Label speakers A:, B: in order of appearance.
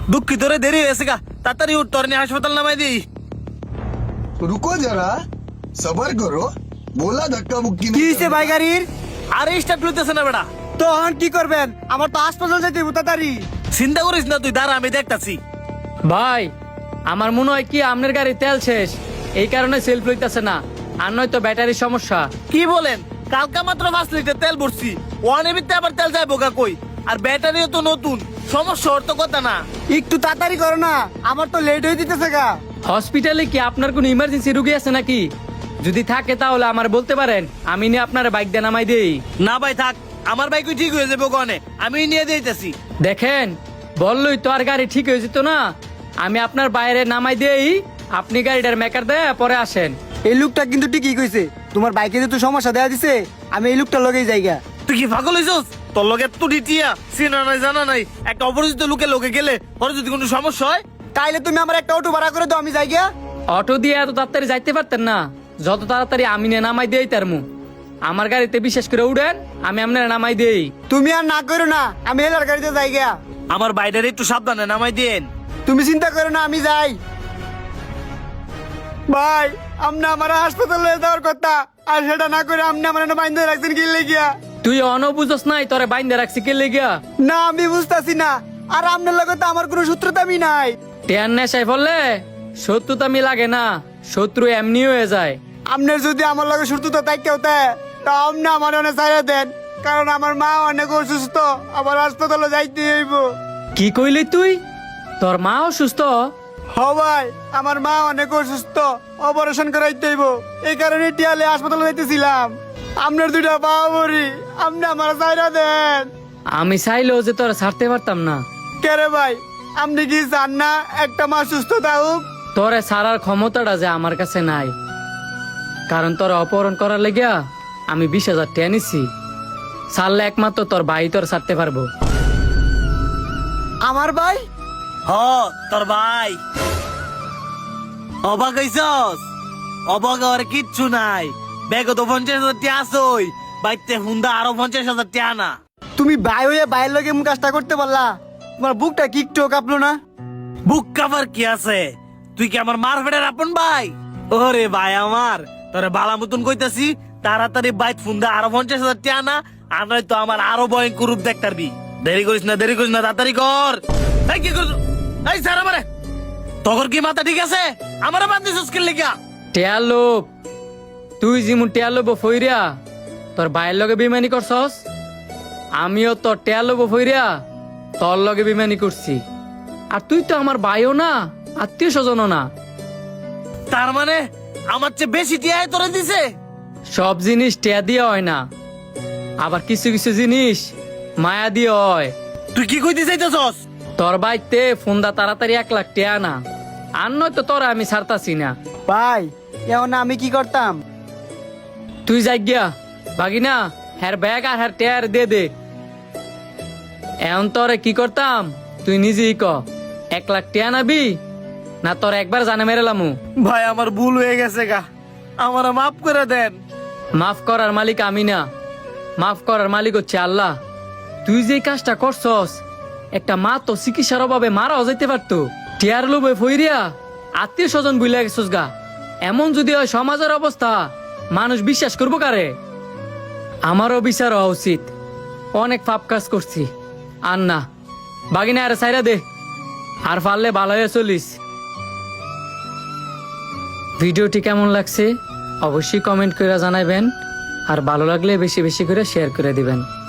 A: দুঃখিত রে, দেরি হয়েছে গা, তাড়াতাড়ি উঠ, তোর নিয়ে হাসপাতাল নামাই দিই।
B: रुको जरा सबर करो बोला धक्का मुक्की
C: কি
B: नहीं
C: হইছে ভাই গাড়ির?
A: আরে স্টার্ট লইতেছে না বেটা।
C: তখন কি করবেন? আমার তো হাসপাতাল যাইতে তাড়াতাড়ি।
A: চিন্তা করিস না তুই, দাঁড়া আমি দেখতাছি।
D: ভাই আমার মনে হয় কি আপনার গাড়ি তেল শেষ, এই কারণে সেলফ লইতেছে না, আর নয়তো ব্যাটারির সমস্যা।
A: কি বলেন? কালকা মাত্র 5 লিটার তেল ভরছি, ওয়ান এবিতে আবার তেল যাইবো গা কই? আর ব্যাটারিও তো নতুন, সমস্যা ওর তো কথা না।
C: একটু তাড়াতাড়ি করো না, আমার তো লেট হয়ে দিতেছে গা।
D: হসপিটালে কি আপনার কোনো ইমার্জেন্সি রুগী আছে নাকি? যদি থাকে তাহলে আমার বলতে পারেন, আমি নিয়ে আপনার বাইক দিয়ে নামাই দেই।
A: না ভাই থাক, আমার বাইকই ঠিক হয়ে যাবে ওখানে, আমি নিয়ে দিতেছি।
D: দেখেন বললই তো আর গাড়ি ঠিক হয়ে যেত না, আমি আপনার বাইরে নামাই দেই, আপনি গাড়িটার মেকার দেয় পরে আসেন।
C: এই লোকটা কিন্তু ঠিকই কইছে, তোমার বাইকে যে তো সমস্যা দেয়া দিছে, আমি এই লোকটা লগেই যাইগা।
A: তুই কি পাগল হইছস? তোর লগে তো ডিটিয়া চিনা নাই জানা নাই, একটা অপরিচিত লোকে লোকে গেলে পরে যদি কোনো সমস্যা হয়।
C: তাইলে তুমি আমার একটা অটো ভাড়া করে দাও, আমি যাইগা।
D: অটো দিয়ে এত তাড়াতাড়ি যাইতে পারতেন না, যত তাড়াতাড়ি আমি নিয়ে নামাই দেই তার মু। আমার গাড়িতে বিশেষ করে উঠেন, আমি আপনার নামাই দেই।
C: তুমি আর না করো না, আমি হেলার গাড়িতে যাইগা।
A: আমার বাইরে একটু সাবধানে নামাই দেন।
C: তুমি চিন্তা করো না, আমি যাই। ভাই আমনে আমার হাসপাতালে যাওয়ার কথা, আর সেটা না করে আমনে আমার বাইন্ধে রাখছেন কি লেগিয়া?
D: তুই অনবুঝস নাই তোরে বাইন্দে রাখছি কে লেগিয়া?
C: না আমি বুঝতাছি না, আর আপনার লগে তো আমার কোনো সূত্রতামি নাই।
D: টেয়ার নেশায় ফললে শত্রুতামি লাগে না, শত্রু এমনি হয়ে যায়।
C: আপনার যদি আমার লগে সূত্রতা থাকতে হতে, তা আপনি আমার অনেক ছাড়া দেন, কারণ আমার মা অনেক অসুস্থ, আমার হাসপাতালে যাইতে হইব।
D: কি কইলি তুই? তোর মা অসুস্থ?
C: হ ভাই, আমার মা অনেক অসুস্থ, অপারেশন করাইতে হইব, এই কারণে টিয়ালে হাসপাতালে যাইতেছিলাম। আপনার দুইটা পা ভরি, আপনি আমার ছাড়া দেন।
D: আমি চাইলেও যে তোরা ছাড়তে পারতাম না।
C: কেরে ভাই, আপনি কি চান না একটা মা সুস্থ থাকুক?
D: তোরে ছাড়ার ক্ষমতাটা যে আমার কাছে নাই, কারণ তোরা অপহরণ করার লেগিয়া আমি 20,000 টাকা নিছি। ছাড়লে একমাত্র তোর ভাই তোর ছাড়তে পারবো।
C: আমার ভাই?
A: হ তোর ভাই। অবাক হইছস? অবাক হওয়ার কিচ্ছু নাই, ব্যাগ তো 50,000 টাকা আসই, বাইতে হুন্দা আরো 50,000 টাকা না।
C: তুমি ভাই হয়ে ভাইয়ের লগে এমন কাজটা করতে পারলা? তোমার বুকটা কি একটু কাঁপলো না?
A: বুক কাভার কি আছে? তুই কি আমার মারফেটের আপন ভাই? ওরে ভাই আমার, তোরে বালা মতন কইতাছি, তাড়াতাড়ি বাইত ফুন্দা আরো 50,000 টাকা না, আর নয়তো আমার আরো ভয়ঙ্কর রূপ দেখতে পারবি। দেরি করিস না, দেরি করিস না, তাড়াতাড়ি কর। এই কি করছ? এই স্যার আমারে, তোর কি মাথা ঠিক আছে? আমারে বাদ দিছিস কি লিগা?
D: টেয়ার লোভ, তুই যেমন টেয়ার লোভ ফইরিয়া তোর ভাইয়ের লগে বেইমানি করছস, আমিও তোর টেয়ার লোভ ফইরিয়া তোর লগে বেইমানি করছি। আর তুই তো আমার ভাইও না, আত্মীয় স্বজনও না।
A: তার মানে আমার চেয়ে বেশি টিয়ায় তোরে দিছে?
D: সব জিনিস টেয়া দিয়ে হয় না, আবার কিছু কিছু জিনিস মায়া দিয়ে হয়।
A: তুই কি কইতে চাইতেছস?
D: তোর বাইতে ফোনদা তাড়াতাড়ি 1 লাখ টেয়া না, আর নয়তো তোরা আমি ছাড়তাছি না।
C: ভাই এখন আমি কি করতাম?
D: তুই যাই গিয়া বাগিনা হ্যার ব্যাগ আর হ্যার টেয়ার দে দে। এখন তোরে কি করতাম তুই নিজেই ক, 1 লাখ টেয়া নাবি না তোর একবার জানে মেরেলামু?
A: ভাই আমার ভুল হয়ে গেছে গা, আমারে মাফ করে দেন।
D: মাফ করার মালিক আমি না, মাফ করার মালিক হচ্ছে আল্লাহ। তুই যে কাজটা করছস, একটা মা তো চিকিৎসার অভাবে মারাও যেতে পারতো। টিয়ার লোভে ফইরিয়া আত্মীয় স্বজন বুইলা গেছস গা। এমন যদি হয় সমাজের অবস্থা, মানুষ বিশ্বাস করবো কারে? আমারও বিচার হওয়া উচিত, অনেক পাপ কাজ করছি। আর না বাগিনা আরে সাইরা দে, আর পারলে ভালো হয়ে চলিস। ভিডিওটি কেমন লাগছে অবশ্যই কমেন্ট করে জানাবেন, আর ভালো লাগলে বেশি বেশি করে শেয়ার করে দিবেন।